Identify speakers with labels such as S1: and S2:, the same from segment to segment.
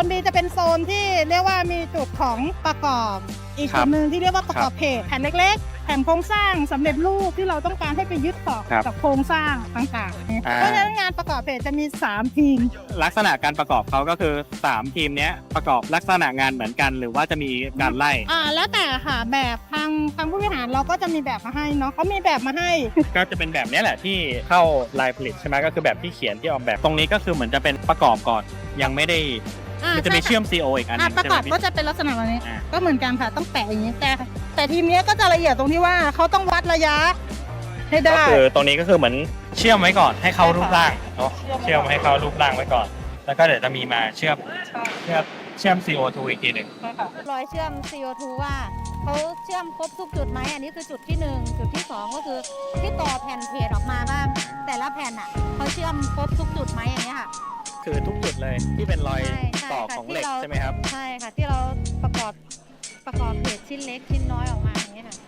S1: B จะเป็นโซนที่เรียกว่ามีจุดของประกอบอีกจุดหนึ่งที่เรียกว่าประกอบเพจแผ่นเล็กๆแผ่นโครงสร้างสำเร็จรูปที่เราต้องการให้ไปยึดต่อกับโครงสร้างต่างๆเพราะฉะนั้นงานประกอบเพจจะมี3ทีม
S2: ลักษณะการประกอบเขาก็คือ3ทีมนี้ประกอบลักษณะงานเหมือนกันหรือว่าจะมีการไล่
S1: แล้วแต่ค่ะแบบทางผู้บริหารเราก็จะมีแบบมาให้เนาะเขามีแบบมาให้
S2: ก็จะเป็นแบบนี้แหละที่เข้าลายผลิตใช่ไหมก็คือแบบที่เขียนที่ออกแบบตรงนี้ก็คือเหมือนจะเป็นประกอบก่อนยังไม่ได้มันจะมีเชื่อม CO อีกอันนึง
S1: ประกอบก็จะเป็นลักษณะแบบนี้ก็เหมือนกันค่ะต้องแปะอย่างนี้แต่ทีมนี้ก็จะละเอียดตรงที่ว่าเขาต้องวัดระยะให้ได้
S2: ก็คือตรงนี้ก็คือเหมือนเชื่อมไว้ก่อนให้เข้ารูปร่างเนาะเชื่อมให้เข้ารูปร่างไว้ก่อนแล้วก็เดี๋ยวจะมีมาเชื่อม CO2 อีกทีหนึ่ง
S3: รอยเชื่อม CO2 ว่าเขาเชื่อมครบทุกจุดไหมอันนี้คือจุดที่1จุดที่2ก็คือที่ต่อแผ่นเพจออกมาว่าแต่ละแผ่นอ่ะเขาเชื่อมครบทุกจุดไหมอย่างเงี้ยค่ะ
S2: คือทุกจุดเลยที่เป็นรอยต่อของเหล็กใช่ไหมครับ
S3: ใช่ค่ะที่เราประกอบเพจชิ้นเล็กชิ้นน้อยออกมาอย่างเงี้ยค่ะ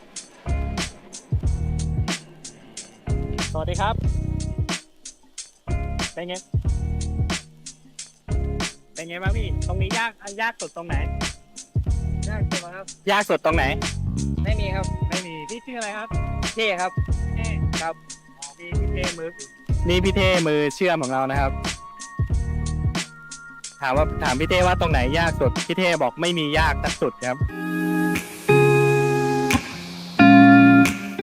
S2: สวัสดีครับเป็นไงบ้างพี่ตรงนี้ยากสุดตรงไหน
S4: ยากสุดครับ
S2: ยากสุดตรงไหน
S4: ไม่มีครับ
S2: ไม่มีพี่ชื่ออะไรครับ
S4: เท่ครับ
S2: เท่
S4: ครับ
S2: พี่เท่มือนี่พี่เท่มือเชื่อมของเรานะครับถามพี่เท่ว่าตรงไหนยากสุดพี่เท่บอกไม่มียากสักสุดครับ